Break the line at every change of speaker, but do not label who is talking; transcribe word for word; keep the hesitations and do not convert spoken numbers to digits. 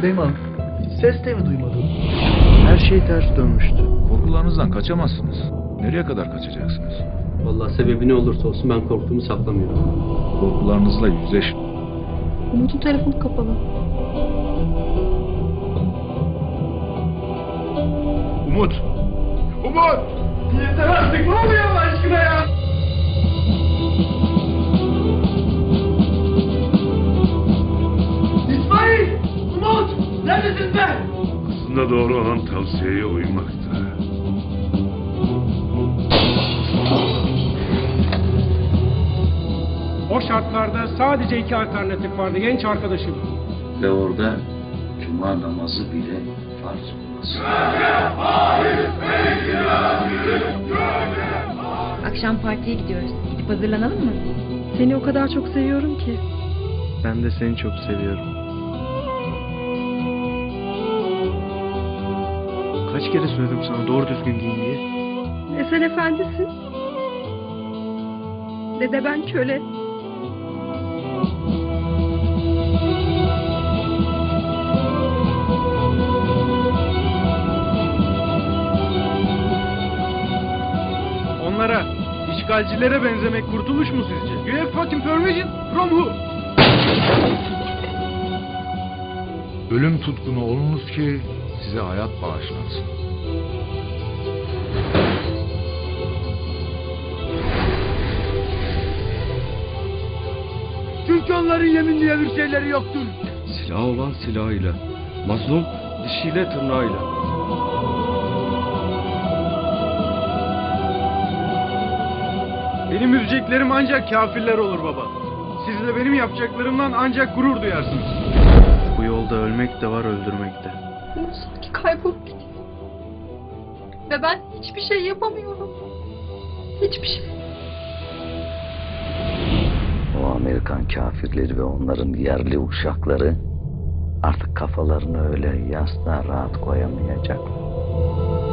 Beyman, hiç ses de mi duymadın?
Her şey ters dönmüştü.
Korkularınızdan kaçamazsınız. Nereye kadar kaçacaksınız?
Vallahi sebebi ne olursa olsun ben korktuğumu saklamıyorum.
Korkularınızla yüzleşin.
Umut'un telefonu kapalı.
Umut! Umut! Yeter artık, ne oluyor Allah aşkına ya? İsmail! Umut! Neredesin be?
Aslında doğru olan tavsiyeye uymaktı.
O şartlarda sadece iki alternatif vardı genç arkadaşım.
Ve orada cuma namazı bile farz olmaz.
Akşam partiye gidiyoruz. Gidip hazırlanalım mı? Seni o kadar çok seviyorum ki.
Ben de seni çok seviyorum. Kaç kere söyledim sana doğru düzgün giyin diye.
Ne sen efendisin. Ne de ben köle.
Onlara, işgalcilere benzemek kurtuluş mu sizce? You have fucking permission from who?
Ölüm tutkunu olunuz ki size hayat bağışlansın.
Çünkü onların yemin diye bir şeyleri yoktur.
Silah olan silahıyla, mazlum dişiyle tırnağıyla.
Benim üzeceklerim ancak kafirler olur baba. Siz de benim yapacaklarımdan ancak gurur duyarsınız. Bu yolda ölmek de var, öldürmek de.
Umut sanki kaybolup gidiyor. Ve ben hiçbir şey yapamıyorum. Hiçbir şey.
O Amerikan kafirleri ve onların yerli uşakları artık kafalarını öyle yastığa rahat koyamayacaklar.